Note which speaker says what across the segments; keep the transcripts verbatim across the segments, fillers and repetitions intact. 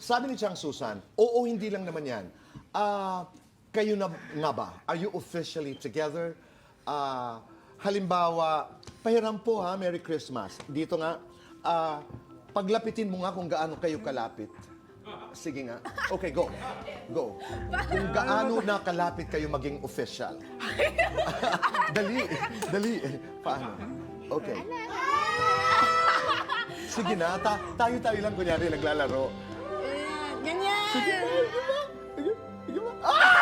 Speaker 1: sabi ni Chang Susan, oo, hindi lang naman yan. Ah, kayo na nga ba? Are you officially together? Ah, halimbawa, pahiram po ha, Merry Christmas. Dito nga, ah, paglapitin mo nga kung gaano kayo kalapit. Sige nga. Okay, go. Go. Kung gaano na kalapit kayo maging official. Dali. Dali. Paano? Okay. Sige na. Ta tayo-tayo lang kunyari naglalaro.
Speaker 2: Ganyan!
Speaker 1: Sige. Sige ba?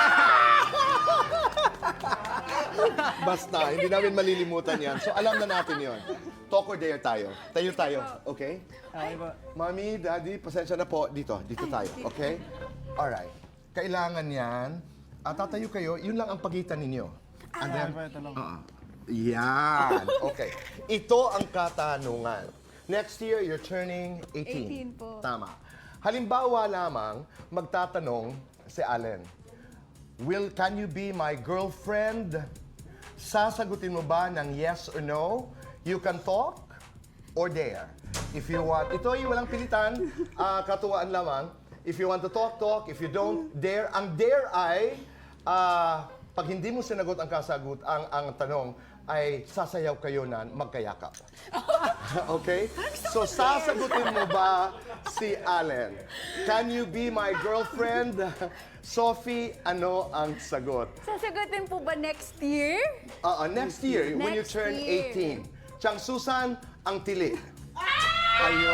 Speaker 1: Basta, hindi namin malilimutan yan. So, alam na natin yon. Talk or dare tayo. Tayo tayo. Okay?
Speaker 3: Okay po.
Speaker 1: Mami, Daddy, pasensya na po. Dito, dito tayo. Okay? Alright. Kailangan yan. At tatayo kayo, yun lang ang pagitan ninyo. And then,
Speaker 3: Okay po, ito lang.
Speaker 1: uh, yan. Okay. Ito ang katanungan. Next year, you're turning eighteen.
Speaker 2: eighteen po.
Speaker 1: Tama. Halimbawa lamang, magtatanong si Allen, Will, can you be my girlfriend? Sasagutin mo ba ng yes or no? You can talk or dare. If you want, ito ay walang pilitan, ah, katuwaan lamang. If you want to talk, talk. If you don't, dare. Ang dare ay, ah, pag hindi mo sinagot ang kasagot, ang, ang tanong, ay sasayaw kayo na magkayakap. Okay? So, sasagutin mo ba si Allen? Can you be my girlfriend? Sophie, ano ang sagot?
Speaker 2: Sasagutin po ba next year?
Speaker 1: Uh, next year, when you
Speaker 2: Next
Speaker 1: turn
Speaker 2: year.
Speaker 1: eighteen. Chang Susan, ang tili. Ayo.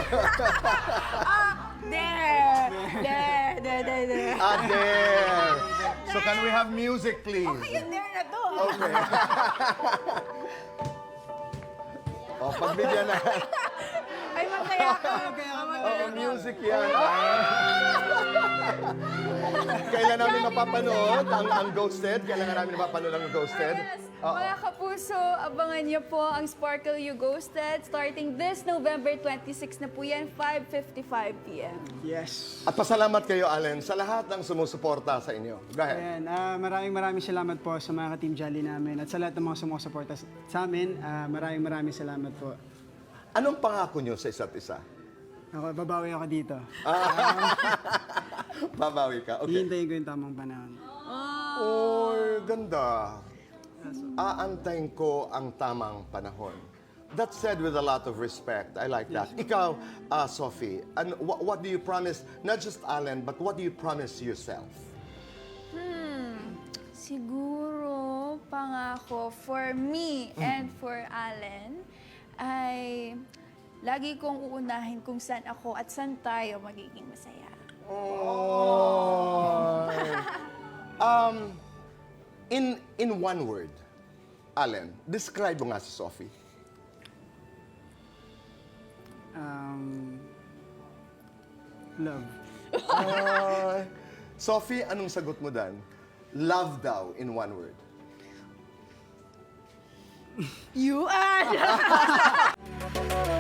Speaker 2: There! There! There! There! There!
Speaker 1: Ah, there. So can we have music, please?
Speaker 2: Yung there na to!
Speaker 1: Okay. oh, pagbigyan na.
Speaker 2: Ay, magkaya ka!
Speaker 1: Oo, music yan. Kailan namin mapapanood ang, ang Ghosted? Kailan namin mapapanood ang Ghosted?
Speaker 2: Yes!
Speaker 1: Oo.
Speaker 2: Mga kapuso, abangan niyo po ang Sparkle You Ghosted starting this November twenty-six na po yan, five fifty-five p m
Speaker 3: Yes.
Speaker 1: At pasalamat kayo, Allen, sa lahat ng sumusuporta sa inyo. Go ahead.
Speaker 3: Ayan, ah, maraming maraming salamat po sa mga ka-Team Jolly namin at sa lahat ng mga sumusuporta sa amin. Ah, maraming maraming salamat po.
Speaker 1: Anong pangako nyo sa isa't isa?
Speaker 3: Ako, babawi ako dito.
Speaker 1: Babawi ka. Okay.
Speaker 3: Hihintayin ko yung tamang panahon.
Speaker 1: Oy, ganda. Aantayin ko ang tamang panahon. That said with a lot of respect. I like that. Ikaw, uh, Sophie, and wh- what do you promise, not just Allen, but what do you promise yourself?
Speaker 2: Siguro, pangako for me and for Allen ay lagi kong uunahin kung saan ako at saan tayo magiging masaya.
Speaker 1: Oh. um, in in one word, Allen, describe mo nga si Sophie.
Speaker 3: Um, love.
Speaker 1: Uh, Sophie, anong sagot mo dan? Love daw in one word.
Speaker 2: You are!